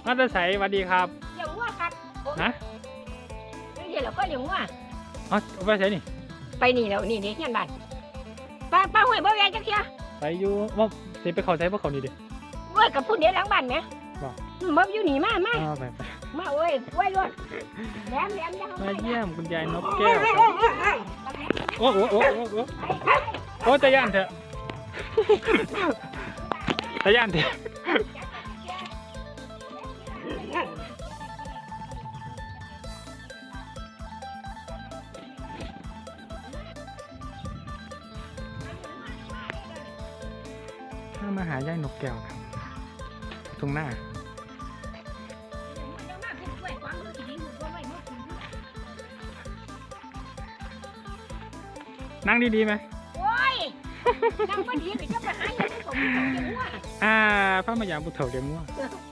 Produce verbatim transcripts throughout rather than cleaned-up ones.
มาตะไสสวัสดีครับเลี้ยงวัวครับฮะเดี๋ยวเราก็เลี้ยงวัวเอาไปใส่นี่ไปนี่แล้วนี่นี่เฮียนบ้านป้าป้าห้วยบ่แวงจักเที่ยไปอยู่ว่าสิไปเขาใส่พวกเขานี่ดิเว้ยกับพุ่นเดี๋ยวหลังบ้านแหมบ่บ่อยู่นี่มามาเอาไปไปมาเว้ยเว้ยรถแหลมแหลมจะมาเยี่ยมคุณยายนกแก้วครับโอ้โหโอ้โหโอ้โหโอ้ตะย่านเถอะตะย่านเถอะถ้ามาหายายนกแก้วครับตรงหน้านั่งดีๆไหมโอ้ยนั่งบ่ดีไปจะไปหาอย่างนี้ผมเลี้ยงวัวอ่าพระมายามบุเถาเลี้ยงงัว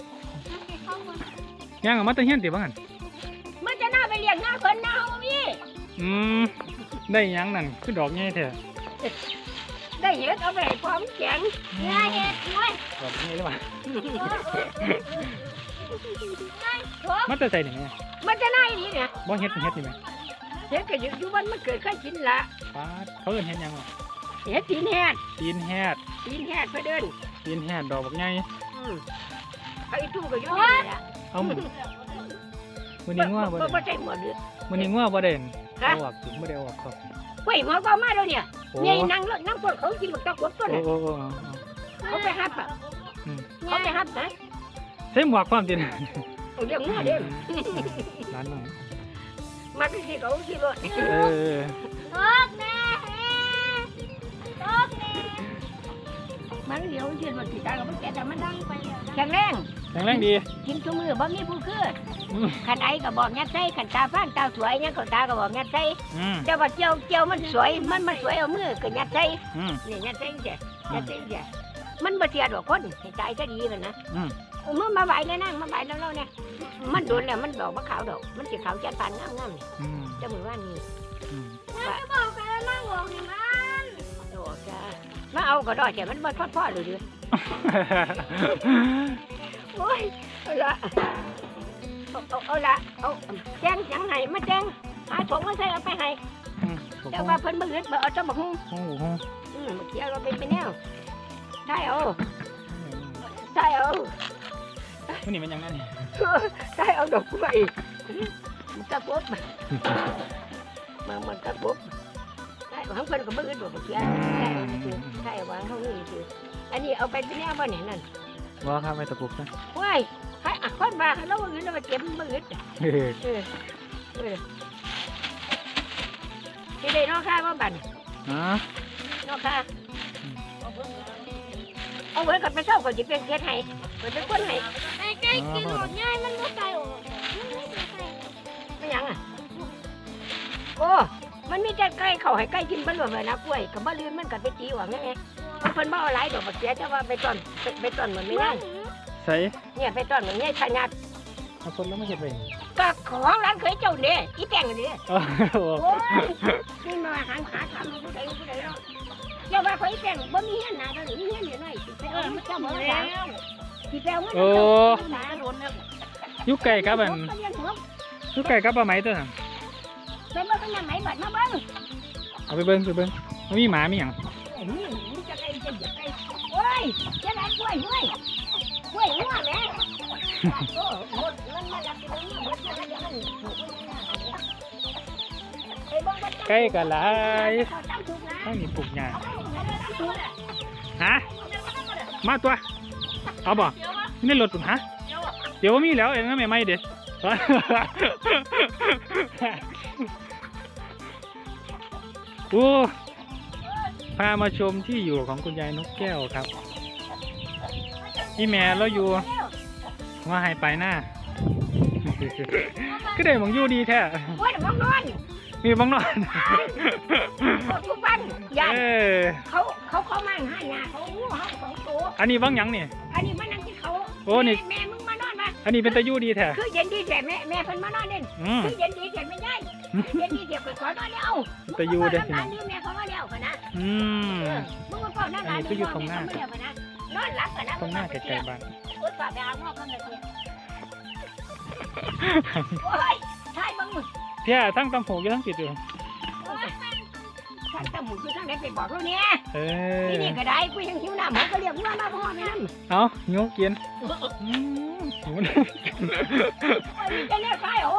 ย่างออกมาตะเฮียนติบ้างหันมันจะน่าไปเลี้ยงหน้าเพิ่นหน้าเฮามีอืมได้หยังนั่นคือดอกใหญ่แท้ได้เห็ดเอาไปให้ความแข็งเนื้อเห็ดน้อยดอกใหญ่หรือเปล่าโถ่มาแต่ใส่นี่แม่มันจะน่าอีหลีเนี่ยบ่เฮ็ดเฮ็ดนี่แม่เห็ดก็อยู่อยู่บ้านมันเกิดเคยกินละปาดเขาเอิ้นเฮ็ดหยังอ่ะเห็ดตีนแหดตีนแฮดตีนแหดเพื่อเดินตีนแฮดดอกบักใหญ่อืมไอ้ตู้ก็อยู่นี่แหละเอามื้อมื้อนี้งัวบ่บ่ได้บ่ใช่หมดเลยมื้อนี้งัวบ่ได้ฮะเอาออกบ่ได้เอาออกครับเฮ้ยหมอก็มาแล้วเนี่ยโอ้นี่นั่งรถนั่งพวกเขากินบักตะกวดต้นโอ้น่ะโอ้โอ้เขาไปฮับอ่ะอืมเขาไปฮับนะใส่หมวกความจริงเอาเรื่องงัวเด้อร้านหน่อยมาที่สิเขาสิรถเออตกแน่ตกแน่มันเดี๋ยวสิรถสิตายก็มันแก่แต่มันดังไปแล้วแข็งแรงแข็งแรงดีกินทุกมื้อบ่มีผู้คืออืมขันไอ้ก็บอกงัดใส่ขันตาฟ้านตาสวยยังเขาตาก็บอกงัดใส่อืมแต่ว่าเจียวเจียวมันสวยมันมันสวยเอามือก็งัดใส่อืมนี่งัดใส่เสียงัดใส่เสียมันบ่เสียดอกคนให้ใจก็ดีมันนะอืมเอามือมาไหวเลยนั่งมาไหวแล้วเราเนี่ยมันโดนแล้วมันดอกมะขาวดอกมันสีขาวจัดปานงามงามๆนี่อืมเจ้ามือว่านี่อืมว่าบอกกันนั่งบอกนี่มันโอ้จ้ามาเอาก็ได้แต่มันบ่ทอดพ่อเลยดิโอ้ยเอาละเอาเอาเอาละเอาแจ้งจังไห้มาแจ้งหาถุงมาใส่เอาไปให้อืมแต่ว่าเพิ่นบ่อึดบ่เอาจังบ่ฮู้โอ้โหอืมเมื่อกี้เราเป็นไปแนวได้เอาได้เอาวันนี้มันยังไงนี่ได้เอาดอกกล้วยมันตะปุ๊บมามันตะปุ๊บได้ของเพิ่นก็บ่อึดบ่เมื่อกี้ได้เอาคือได้เอาวางเฮานี่คืออันนี้เอาไปเป็นแนวบ่เนี่ยนั่นว่าครับไปตะปุกนะว้ายให้อ่ะคนมาเราบ่อึดเราไปเก็บบ่อึดเฮ้ยเออเออสิได้นอกค่าบ่บัดอ๋อนอกค่าเอาไว้กับไปเช่าก็สิเป็นเฮ็ดให้เพิ่นเป็นคนให้ไอ้ไก่กินหมดง่ายมันไม่ใส่ออกมันไม่ใส่ไข่ไม่หยังอ่ะโอ้มันมีแต่ไก่เขาให้ไก่กินบ่รวมเลยนะกล้วยกับบ่ลืมมันก็ไปจีว่าไงเพิ่นบ่เอาหลายดอกบักเสียแต่ว่าไปต้อนไปไปต้อนเหมือนไม่นั่งใส่เนี่ยไปต้อนเหมือนเนี่ยขนาดเอาคนแล้วไม่เห็ดไปก็ของร้านเคยเจ้าเนี่ยอีแตงนี่โอ้โหโอ้ยนี่มาหาหาทำผู้ใดผู้ใดเนาะเจ้าว่าเขาอีแตงบ่มีเงินหนาเท่านี้มีเงินอยู่หน่อยสิไปเอาเจ้าบ่ได้สิไปเอาเงินโอ้หนาโดนแล้วยุกไก่กับอันยุกไก่กับปลาไหมตัวน่ะไปเบิ่งกันยังไหนบัดมาเบิ่งเอาไปเบิ้งไปเบิ้งมันมีหมามีหยังนี่มันจะไก่จะเหยียบไก่โอ้ยจะได้กล้วยกล้วยกล้วยหัวแม่โอ้หมดมันมาจากตรงนี้หมดมาจากมันไปเบิ่งกันไก่กับหลายเขาจำถูกนะต้องมีปลูกหญ้าถูกฮะมาตัวเอาบ่นี่ในรถปุ่นฮะเดี๋ยวว่ามีแล้วเองนะแม่ไม่เด็ด โอ้พามาชมที่อยู่ของคุณยายนกแก้วครับพี่แม่เราอยู่ว่าให้ไปหน้า ก็ได้หมองอยู่ดีแท้โอ้ยบังนอนมีบ้างนอนทุกวันยันเออเขาเขาเขามั่งให้ยาเขาหูเขาสองตัวอันนี้บ้างหยังนี่อันนี้มันนั่งที่เขาโอ้นี่แม่มึงมานอนมาอันนี้เป็นตะยู่ดีแท้คือเย็นดีแต่แม่แม่เพิ่นมานอนเด่นอืมคือเย็นดีแต่ไม่ได้เย็นดีเดี๋ยวไปขอนอนแล้วตะยู่เด้อมึงมาขอนอนแม่เขามาแล้วกันนะอืมมึงมาขอนอนร้านนอนหลับกันนะนอนตรงหน้าไกลๆบ้านรถฝาไปเอาหม้อกันเลยโอ้ยใช่บ้างมึงเพี้ยทั้งตำหูอยู่ทั้งปิดอยู่ใช่ตำหูคือทั้งไหนไปบอกเราเนี่ยเออนี่นี่ก็ได้กูยังหิวน้ำผมก็เรียกว่ามาพ่อแม่นั่นเอานิ้วกินอืมหิวน้โอ้ยนี่จะเลี้ยงใครโอ้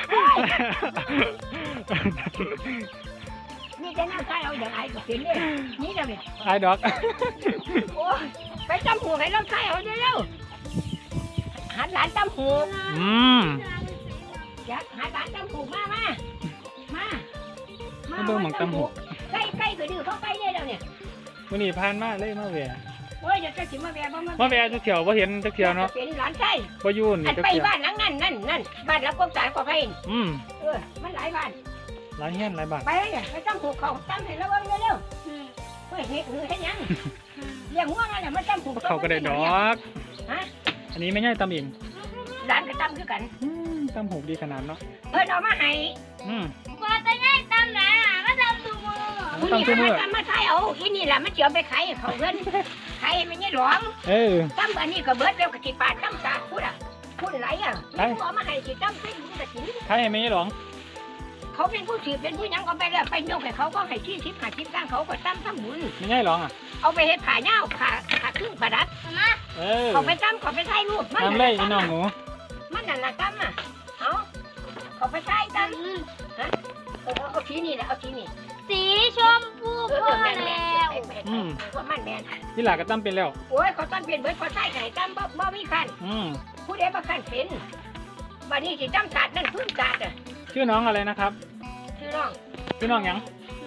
นี่จะนั่งใครเอาอย่างไรก็เป็นเลยนี่จะเป็นำไอ้ดอกโอ้ยไปตำหูให้เราใครเอาเร็วๆหันหลานตำหูอืมอยากหันหลานตำหูมามามามาเบิ่งหม่องตำหูใกล้ใกล้ก็ดื้อเข้าใกล้เนี่ยเดี๋ยวนี้วันนี้ผ่านมาเลยมาแหวะโอ้ยเดี๋ยวจะสิมาแวะบ่มามาแหวะจักเที่ยวบ่เห็นจักเที่ยวเนาะเป็นหลานใช่บ่อยู่นี่อันจักไปเที่ยวบ้านหลังนั้นนั่นนั่นบ้านหลังกบสารกว่าไปอืมเออมันหลายบ้านหลายเฮียนหลายบ้านไปเลยไปตั้งหูเขาตั้งให้ระวังเร็วๆเฮ้ยเฮ็ดหือเฮ็ดหยังเลี้ยงง่วงอะไรมันตั้งหูเขาก็ได้ดอกฮะอันนี้ไม่ใช่ตำเองหลานก็ตั้งคือกันอืมตำหูดีขนาดเนาะเพิ่นเอามาให้อืมกว่าจะง่ายตามไหนอ่ะก็ทำตัวมือผู้นี้มาทำมาใช้เอาอีนี่แหละมันสิเอาไปขายให้เขาเพิ่นขายให้มันยี่หลวงเออตั้งอันนี้ก็เบิดแล้วก็สิปาดตั้งสาดพูดอ่ะพูดไรอ่ะมันเอามาให้สิตั้งให้มึงก็สิใครให้ไม่ใช่หรองเขาเป็นผู้สืบเป็นผู้หยังก็ไปแล้วไปยกให้เขาก็ให้ที่สิบหาสิบสร้างเขาก็ตั้งทั้งบุญไม่ใช่หรองอ่ะเอาไปเฮ็ดผ้าเน่าผ้าผ้าครึ่งผ้าดัดมาเออเขาไปตั้มเขาไปใช้รูปมันทำเลยพี่น้องหนูมันนั่นน่ะตั้มอ่ะเอาเขาไปใช้ตั้มฮะเอาเอาทีนี่แหละเอาทีนี่สีชมพูเออพ่อแม่นแล้แม่นวแม่นแม่นเพราะมันแม่นที่หลาก็ตั้มเป็นแล้วโอ้ยเขาตั้มเป็นเบิดเขาใช้ไก่ตั้มบ่บ่มีคันอืมผู้ใดบ่คันเป็นบัดนี้สิตั้มศาสตร์นั่นพื้นศาสตร์อ่ะชื่อน้องอะไรนะครับชื่อน้องชื่อน้องหยัง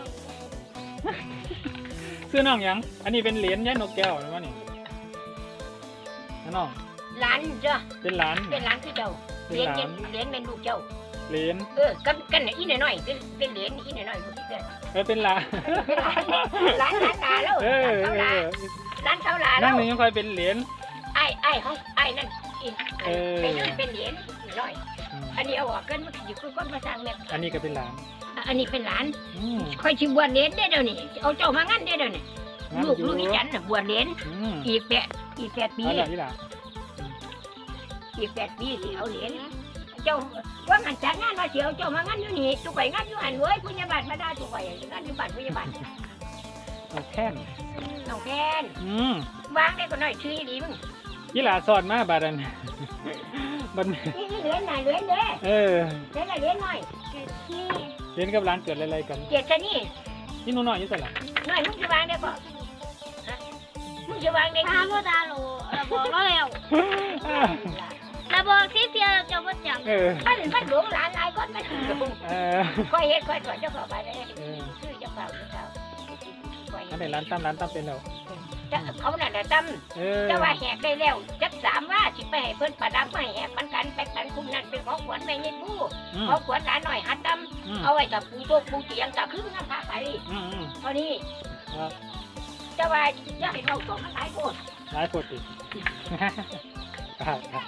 ชื่อน้องหยัง อันนี้เป็นเหรียญยายนกแก้วหรือว่านี่น้องหลานจ้ะเป็นหลานเป็นหลานคือเจ้าเป็นเลี้ยนหลานเลี้ยนเป็นลูกเจ้าเหรียญเออกันกันน่ะอีน้อยๆเป็นเป็นเหรียญอีน้อยๆผู้ที่เกิดเออเป็นหลานเป็นหลานหลานหลานตาแล้วเออหลานเอเท่าหลานหลานอเท่าหลานนั่แล้งวหนึ่งยังคอยเป็นเหรียญไอ้ไอ้ของไอ้นั่นอีกเออเป็นเป็นเหรียญน้อยอืมอันนี้เอาออกกันมันอยู่คือคนมาสร้างแม่อันนี้ก็เป็นหลานอันนี้เป็นหลานอืมค่อยชิบวชเหรียญได้เดี๋ยวนี้เอาเจ้ามางั้นได้เดี๋ยวนี้งั้นลูกอยู่ลูกอีจันน่ะบวชเหรียญอืมอีกแปดอีกแปดปีเอาล่ะที่หลานอีกแปดปีสิเอาเหรียญเจ้าว่างันจัดงานว่าเสียวเจ้ามางั้นอยู่นี่ตุกไปงั้นอยู่หันเว้ยผู้ใหญ่บ้านมาได้ตุกไปงั้นอยู่บ้านผู้ใหญ่บ้านเอาแค่นน้องแพนอืมวางได้ก็น้อยชื่อดีมึงยี่หลาสอนมาบาดัน บันนี่นี่เหรียญน่ะเหรียญเด้เออเหรียญน่ะเหรียญน้อยนี่เรียนกับร้านเกิดอะไรๆกันเกียรติชะนี่นี่หนูน้อยอยี่สิบหลังน้อยมึงจะวางได้ก็ฮะมึงจะวางได้พากี่พ่อตาโหลเราบอกแล้วแล้วเราบอกที่เสียจะว่าจังเออมันมันหลวงหลานหลายคนมันหลวงเออค่อยเฮ็ดค่อยสอนเจ้าของไปเลยเออชื่อเจ้าเก่าเจ้าเก่าค่อยอันไหนร้านตั้มร้านตั้มเป็นแล้วจะเขาน่ะน่ะตั้มเออจะว่าแหกได้แล้วจักสามว่าสิไปให้เพิ่นประดับไม่แหกมันกันไปกันคุมนั่นเป็นของขวัญไม่เงินผู้อืมของขวัญหลานหน่อยหัดตั้มอืมเอาไว้กับปูโต๊ะปูเตียงกับครึ่งน้ำพาไปอืมอืมเท่านี้ครับจะว่าอยากให้เขาส่งมันหลายคนร้ายปวดอีก ครับครับ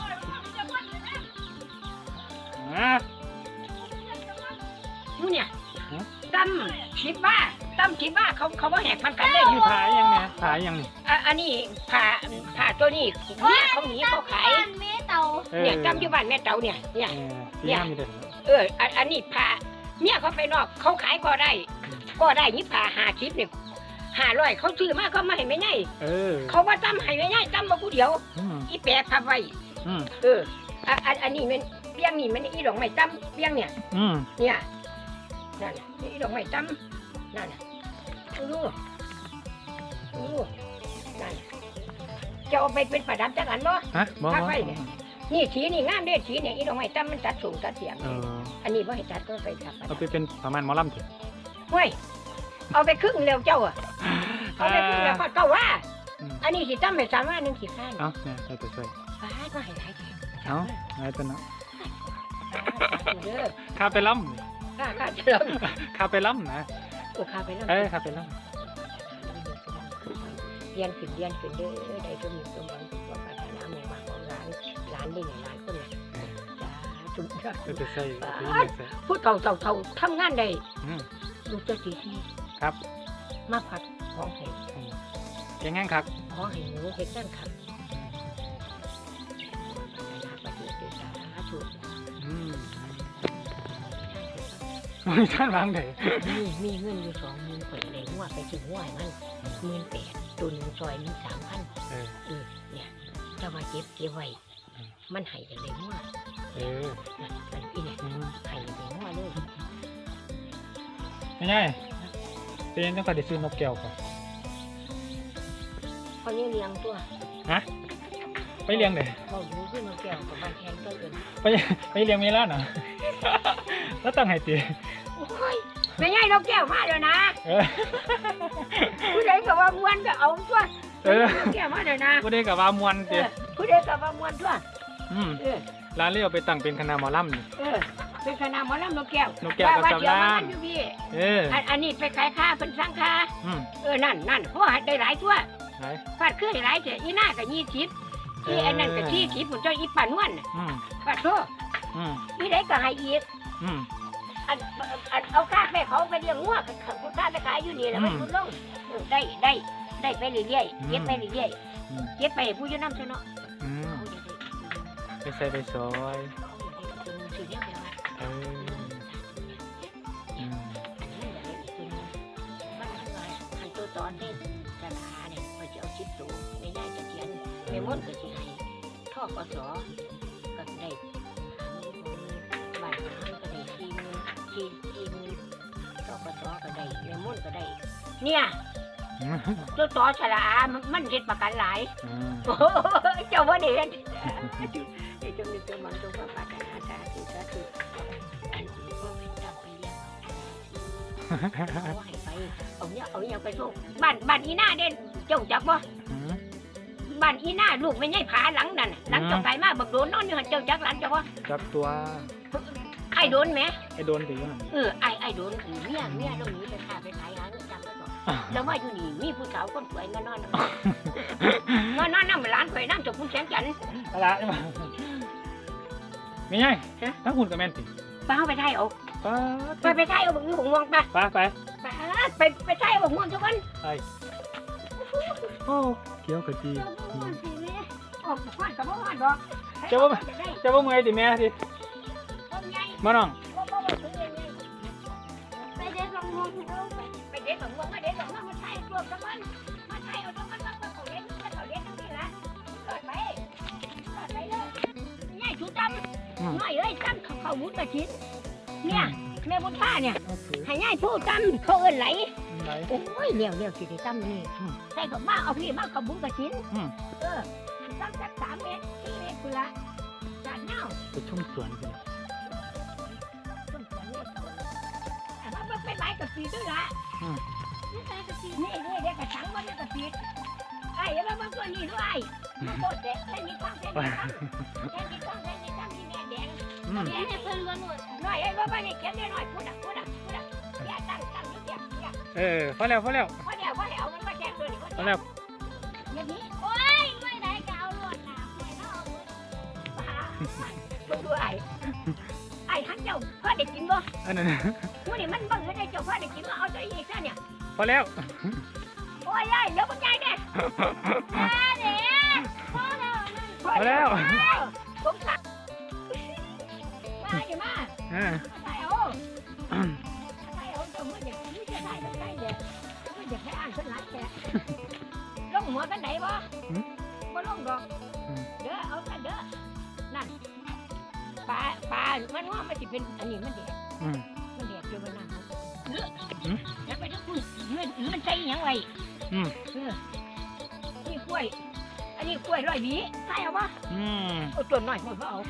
อ่ะมูเนี่ยฮะตั้มคิดว่าตั้มคิดว่าเขาเขาว่าแหกมันกันเลยนี่ผายยังไงผายยังนี่อ่ะอันนี้ผ่าผ่าตัวนี้เนี่ยเขาหนีเขาขายบ้านเมเตาเออเนี่ยจำอยู่บ้านแม่เต่าเนี่ยเนี่ยเออที่ห้ามมีเด่นเอออันอันนี้ผ่าเนี่ยเขาไปนอกเขาขายก็ได้ ก็ได้นี่ผ่าหาชิปเนี่ยห้าร้อยเขาซื้อมาเขามาให้ไม่ไงเออเขาว่าตั้มให้ไม่ไงตั้มมาผู้เดียวอืมอีแปะพับไว้อืมเอออ่ะอันอันนี้มันเบี้ยงนี่มันอีดอกไม้ตั้มเบี้ยงเนี่ยอืมเนี่ยนั่นน่ะอีดอกไม้ตั้มนั่นน่ะดูดูนั่นจะเอาไปเป็นประดับจังอันบ่ฮะบอกพักบอกไว้เนี่ย นี่สีนี่งามเด้สีเนี่ยอีดอกไม้ตั้มมันตัดสูงตัดเสียงเอออันนี้ว่าให้ตัดก็ไปตัดเอาไปเป็นประมาณหมอลำเถอะเฮ้ยเอาไปครึ่งเร็วเจ้าอ่ะเอาไปครึ่งแล้วก็เก้าว่าอืมอันนี้สิตั้มไปสามว่าหนึ่งสิข้างเอาเนี่ยใส่ตัวใส่ฟ้าก็ให้หลายแท้เอาอะไรตัวเนาะเด้อคาไปล่ข้าข้าจะลองำคาไปล่ำนะโอ้ข้าไปแล้วเออคาไปล่เรียนขึ้นเรียนขึ้นเด้อได้ตัวมีตัวบังตัวปรารถนาหมู่บ้านของร้านร้านได้ไงร้านคนเนี่ยจ้าจุดจ้าำตัวจะใส่ตัวจะใส่พูดเท่าเท่าเท่าทำงานได้อืมลูกเจ้าตีที่ครับมาผัดของให้เก่งงั้นครับของให้หนูเฮ็ดนั่นครับปฏิเสธสาธุมีท่านวางไหนมีมีเงินอยู่สองหมื่นข่อยเลยหัวไปถึงหัวให้มันหมื่นแปดตัวหนึ่งซอยหนึ่งสามพันเออเออเนี่ยเจ้ามาเก็บเก็บไว้มันให้กันเลยหัวเออนะอันนี้เนี่ยอืมให้กันเลยหัวเลยไม่ใช่เป็นยังต้องการได้ซื้อนกแก้วก่อนพอนี้เลี้ยงตัวฮะไปเลี้ยงเลยเขาดูขึ้นมาแก้วกับบ้านแทนก็เกินไปไปเลี้ยงเมล่าน่ะ แล้วตั้งให้ตีโอ้ยไม่ใช่นกแก้วมาเดี๋ยวนะเออผู้ใดกับว่ามวนก็เอาตัวเออนกแก้วมาเดี๋ยวนะผู้ใดกับว่ามวนเอตีอผู้ใดกับว่ามวนตัวอืมเออร้านเลี้ยวไปตั้งเป็นคณะหมอลำนี่เออเป็นคณะหมอลำนกแก้วนกแก้วกับว่าสำเดี๋ยวรามาญนั่นอยู่พี่เอออันอันนี้ไปขายค่าเป็นสร้างค่าอืมเออนั่นนั่นเพราะว่าได้หลายตัวไหนฟาดขึ้นหลายเสียอีหน้ากับยี่สิบอีอันนั้นกับที่สิบผมเจ้าอีป่านวลน่ะอืมฟาดโทษอืมอีได้ก็ให้อีกอืมอันอันเอาค่าแม่เขาไปเลี้ยงงัวกับค่าไปขายอยู่นี่แหละมันอืมลดลงเออได้ได้ได้ไปเรื่อยอืมๆเก็บไปเรื่อยอืมๆเก็บไปให้ผู้อยืนน้ำซะเนาะอืมเขาจะได้ไปใส่ไปซอยเขาจะได้ซื้อเนี่ยไปว่าเอออืมอันนี้อยากได้อีกตัวหนึงมันทำลายอันตัวตอนที่จะหาเนี่ยเขาจะเอาชิปตัวไม่ได้จะเขียนไม่ม้วนก็จะให้ท่อกสอก็ได้หาเงินของบ้านหาก็ได้สี่หมื่นสี่สี่หมื่นท่อกสอก็ได้ไม่ม้วนก็ได้ เนี่ยอืมตัวต่อฉลามันมันเฮ็ดประกันหลายอืมโอ้ยเจ้าว่าเด็ดเดี๋ยวจงมีตัวมันจงประปานาสาธุสาธุอันนี้ก็ไม่จำไปเรียกเอาให้ไปเอาเนี่ยเอาเนี่ยไปส่งบ้านบ้านอีหน้าเด่นเจ้าจักบ่อืมบ้านอีหน้าลูกไม่ใช่ผาหลังนั่นน่ะหลังเจ้าไปมาบักโดนนอนอยู่หันเจ้าจักหลังเจ้าบ่จับตัวไอ้โดนไหมไอ้โดนตีอยู่หันเออไอ้ไอ้โดนคือเมียเมียเราหนีไปค้าไปขายหาเงินจำไว้ก่อนแล้วว่าอยู่นี่มีผู้สาวคนสวยมานอนนอนนอนนั่งร้านข่อยนั่งจบผู้แสนจันทร์อะไรใช่ไหมไม่ใช่ถ้าคุณกับแมนติไปเอาไปไทยเอาป้าไปไปไทยเอาบักม่วงม่วงไปป้าไปไปไปไปไทยเอาบักม่วงทุกคนไปโอ้เกี่ยวกับจีออกควันกับบ่ควันดอกจะว่าจะว่าเมื่อยติแม่สิต้นใหญ่มาน้องบ่บ่บ่ถึงใหญ่ไปเด็ดบักม่วงไปเด็ดบักม่วงมาเด็ดบักม่วงมาไทยรวมกันมันมาไทยเอาทุกคนมาเขาเด็ดเขาเด็ดทั้งนี้ละเกิดไปเกิดไปเลยใหญ่ชุดดำน้อยเอ้ยดำเขาเขาบุญกระชินเนี่ยแม่บุญท่าเนี่ยให้ง่ายผู้จำเขาเอินไหลไหนโอ้ยเลี้ยวเลี้ยวสิได้จำนี่ใส่กับมาเอาพี่มากับบุญกระชินเออตั้งจากสามเมตรสี่เมตรคุณละจานเน่าไปชุ่มสวนกันต้นสวนเนี่ยแต่ว่ามันไปไม้กับปีด้วยละนี่ใส่กับปีนี่นี่เด็กกระชังมันเด็กกับปีไอ้ยังมันตัวนี้ด้วยมันโคตรเด็กแค่นี้ตั้งแค่นี้ตั้งแค่นี้ตั้งแค่นี้ตั้งที่แม่แดงอืมแม่ให้เพิ่นล้วนหมดหน่อยไอ้บ้าบ้านี่เขียนได้หน่อยพูดอ่ะพูดอ่ะพูดอ่ะอย่าตั้งตั้งอย่าอย่าเออพอแล้วพอแล้วเพราะเดี๋ยวเพราะเดี๋ยวมันมาแจ้งตัวนี่เพราะพอเดี๋ยวแล้วอย่างนี้โอ้ยไม่ได้ก็เอาลวดหนามให้เขาเอาหมดป้ามึงดูไอ้ไอ้ทั้งเจ้าพ่อเด็กกินบ่อันนั้นมูนี่มันบังเอิญไอ้เจ้าพ่อเด็กกินบ่เอาตัวอีกซะเนี่ยพอแล้วโอ้ยยายเดี๋ยวมึงยายเนี่ยแม่เด็กพ่อเรานั่นพอแล้วผมสั่งมาดิมาอ่าใส่เอาใส่เอาเจ้ามือเด็กมือจะใส่ต้องใส่เด็กมือเด็กให้อ่านขึ้นหลังแกลงหัวกันไหนบ่บ่ลงดอกเด้อเอาซะเด้อนั่นปลาปลามันว่ามันสิเป็นอันนี้มันเด็กอืมมันเด็กอยู่บนน้ำเลือแล้วไปทั้งคุณมันมันใส่ยังไงอืมเออนี่กล้วย อันนี้กล้วยร้อยหวีใส่เอาปะอืมเอาตัวหน่อยหมดก็เอา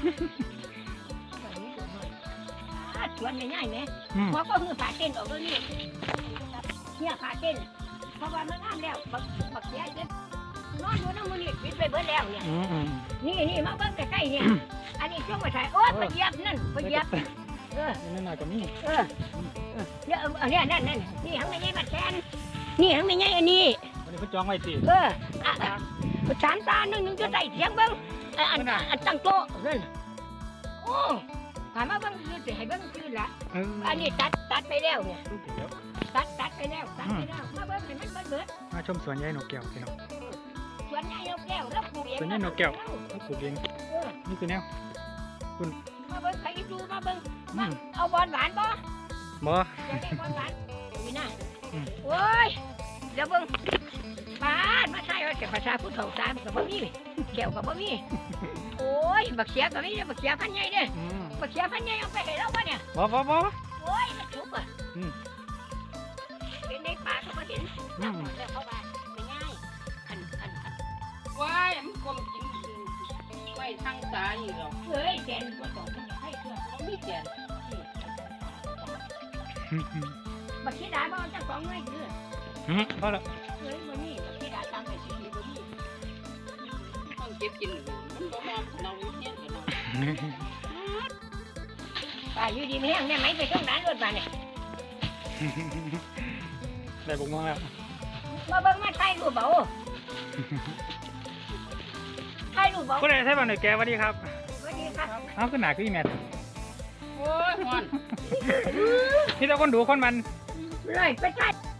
ชวนง่ายๆไหมอืมหมอก็คือผ่าเต้นออกแล้วนี่เนี่ยผ่าเต้นเพราะว่ามันงามแล้วบักบักเสียเจ็ดนอนอยู่น้ำมือนี่ปิดไปเบิดแล้วเนี่ยอืมอืมนี่นี่มาเบิ้งใกล้ๆเนี่ยอันนี้ช่วงไปถ่ายโอ๊ยไปเหยียบนั่นไปเหยียบเออนี่หน่อยก็มีเออเนี่ยเออเนี่ยนั่นนั่นนี่ทั้งไม่ใช่บัดแทนนี่ทั้งไม่ใช่อันนี้วันนี้เพิ่นจองไว้ติเอออ่ะสามตาหนึ่งหนึ่งจะใส่เสียงเบิ้งอันอันตั้งโต๊ะนั่นโอ้ถามว่าเบิ้งคือสิให้เบิ้งคือละเอออันนี้ตัดตัดไปแล้วเนี่ยเดี๋ยวตัดตัดไปแล้วตัดไปแล้วมาเบิ้งให้มันเบิ้งเบิดมาชมสวนยายนกแก้วพี่น้องสวนใหญ่นกแก้วแล้วปลูกเองสวนยายนกแก้วเขาปลูกเองเออนี่คือแนวมาเบิ้งใครดูมาเบิ้งอืมเอาบอลหวานบ่มบ่จะได้ความหวานนี่นะอืมโอ้ยเดี๋ยวเบิ่งบ้านมาใช่ว่าแต่ภาษาผู้เฒ่าสามกับบ่มีแก้วกับบ่มีโอ้ยบักเสียกับนี่บักเสียพันใหญ่เด้อืมบักเสียพันใหญ่เอาไปให้เราบ่เนี่ยบ่บ่บ่โอ้ยมันจุกอ่ะอืมเป็นในป่าก็บ่เห็นอืมแล้วเข้าบ้านไม่ง่ายอันอันอันว้ายมันกลมกินไว้ทางซ้ายอยู่หรอกเฮ้ยแกนบ่ต้องมันให้เพื่อนมันมีแกนบักสีดาบ่เอาจักสองหน่วยคืออืมพอแล้วเฮ้ยบ่มีบักสีดาตามไปสิบ่มีต้องเก็บกินมันบ่มาเราเฮียนกันเนาะป่าอยู่ดีมีแห้งได้ไหมไปตรงนั้นรถบ้านเนี่ยได้บุกมาแล้วมาเบิ่งมาถ่ายรูปเบาถ่ายรูปเบาก็ได้ใช่ป่ะหน่อยแกสวัสดีครับสวัสดีครับเอาขึ้นหนาขึ้นอีแมทโอ้ยฮอนที่เราคนดูคนมันเลยไปถ่าย